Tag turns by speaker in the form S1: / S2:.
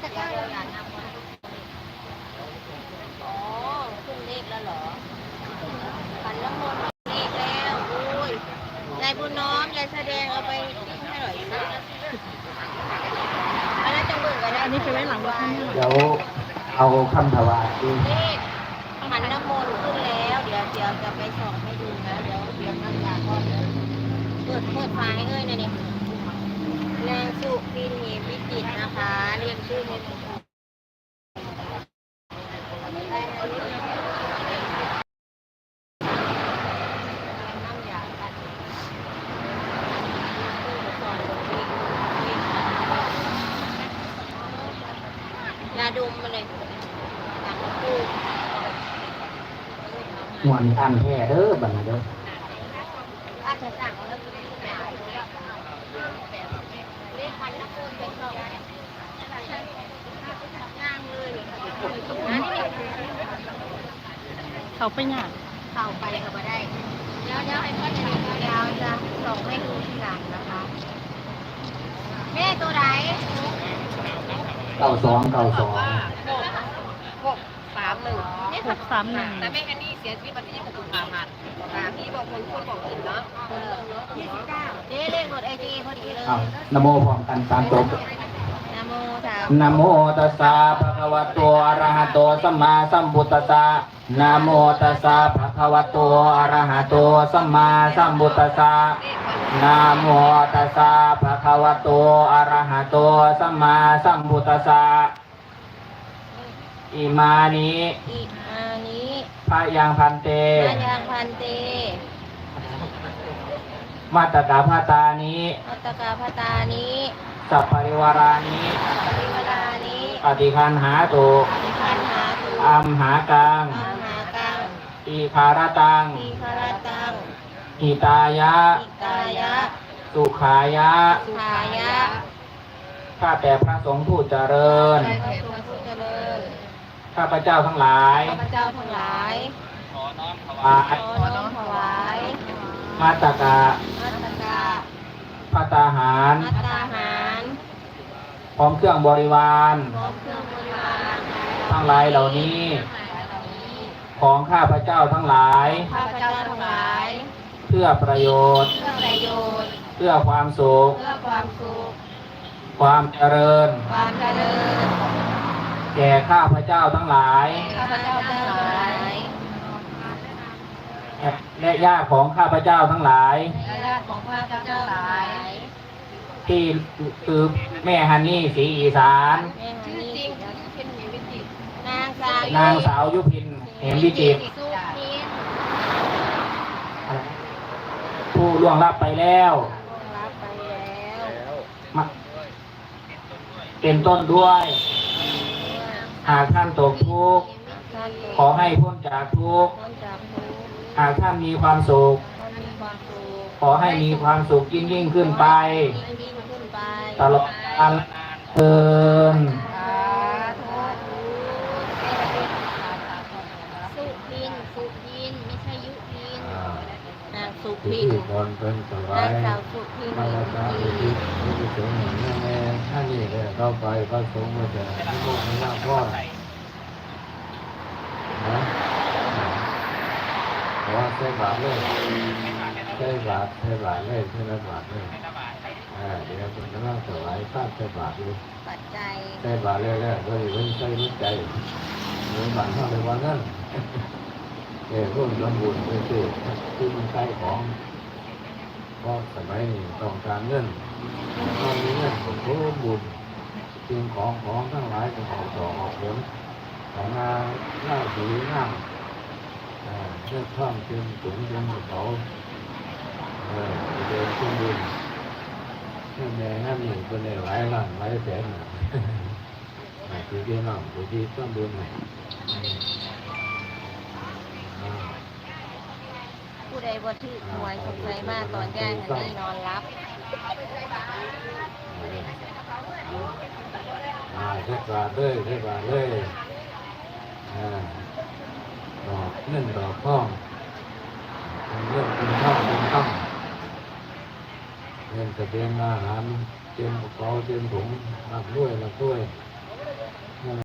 S1: อ๋อขึ้นเลขแล้วเหรอขันน้ำมนต์เลขแล้วอุ้ยยายบุญน้อมยายแสดงเอาไปให้หน่อยสิอันนั้นจังเบิ่งกันได้อันนี้ไปไว้หลังรถ
S2: เดี๋ยวเอาคำถวาย
S1: เลขขันน้ำมนต์ขึ้นแล้วเดี๋ยวจะไปส่องให้ดูนะเดี๋ยวน้ำยาก้อนเปิดไฟให้เอ้ยนะนี่นางสุพินเหมวิจิตรนะคะเรียนชื่อให้ถูกยาดมมาเลยต่างคู่
S2: หัวนี่อันแท้เด้อบัดนี้เด้อ
S1: อาจจะสั่งแล้วเลขพันนักคุณเป็นสองย่างเลย
S3: เขาไปหยาด
S1: เข้าไปก็มาได้เดี๋ยวให้พ่อจะส่งให้ดูทีหลังนะคะแม่ตัวไหน
S2: 92
S1: 631นี่
S3: 631
S1: แต่แม่ฮันนี่เสียชีวิตวันที่26 กุมภาพันธ์พี่บอกคนบอกอื่นเนาะ29เลขรถไอจีพอดีเลย
S2: นะโมพร้อมกัน3จบนะโมตัสสะภะคะวะโตอะระหะโตสัมมาสัมพุทธัสสะนะโมตัสสะภะคะวะโตอะระหะโตสัมมาสัมพุทธัสสะนะโมตัสสะภะคะวะโตอะระหะโตสัมมาสัมพุทธัสสะอิมานิพะยังพันเตมัตตกาภาตานิสัพพริวารานิปฏิคันหาตุอัมหากังอิภารตังหิตายะสุขายะข้าแต่พระสงฆ์ผู้เจริญข้าพเจ้าทั้งหลายขอน้อมถวายมัตตกะภัตตาหารพร้อมเครื่องบริวารทั้งหลายเหล่านี้ของข้าพเจ้าทั้งหลายเพื่อประโยชน์เพื่อความสุขความเจริญแก่ข้าพเจ้าทั้งหลายและญาติของข้าพเจ้าทั้งหลายที่คือแม่ฮันนี่ศรีอีสานนางสาวยุพินเหมวิจิตรผู้ล่วงลับไปแล้วเป็นต้นด้วยหากท่านตกทุกข์ขอให้พ้นจากทุกข์หากท่านมีความสุขขอให้มีความสุขยิ่งขึ้นไปตลอดกาลเทิน
S1: สุพินไม่ใช่ยุพินนางสุพินนางสาวสุพิน
S2: มาแล้วครับที่สงฆ์แม่ท่านนี่เลยเข้าไปพระสงฆ์มาจากที่โลกนี้พ่อนะว่าใช้บาทเลยใช้บาทเลยใช้บาทเลยเดี๋ยวคุณกำลังถวายข้าวใช้บาทเลย
S1: ปัจจัย
S2: ใช้บาทเลยโดยไม่ใช้รู้ใจเหมือนบาทเท่าในวันนั้นร่วมทำบุญไปซื้อที่มันใช้ของเพราะสมัยนี้ต้องการเงินตอนนี้เงินผมก็บุญสิ่งของทั้งหลายจะออกดอกออกผลของงานหน้าสีงามเชื่อท่องเชื่อถุงเชื่อเขาเดินขึ้นบุญแม่นั่นนี่เป็นหลายล้านหลายแสนที่น้องที่ต้องบุญ
S1: ผู้ใดบ่ถือหวยสงสัยมากตอนย่างอันนี้นอนรับ
S2: เทศบาลเลยดอกเงินดอกทองเงินเป็นทองเงินจะเป็นอาหารเต็มกระเป๋าเต็มถุงรับด้วย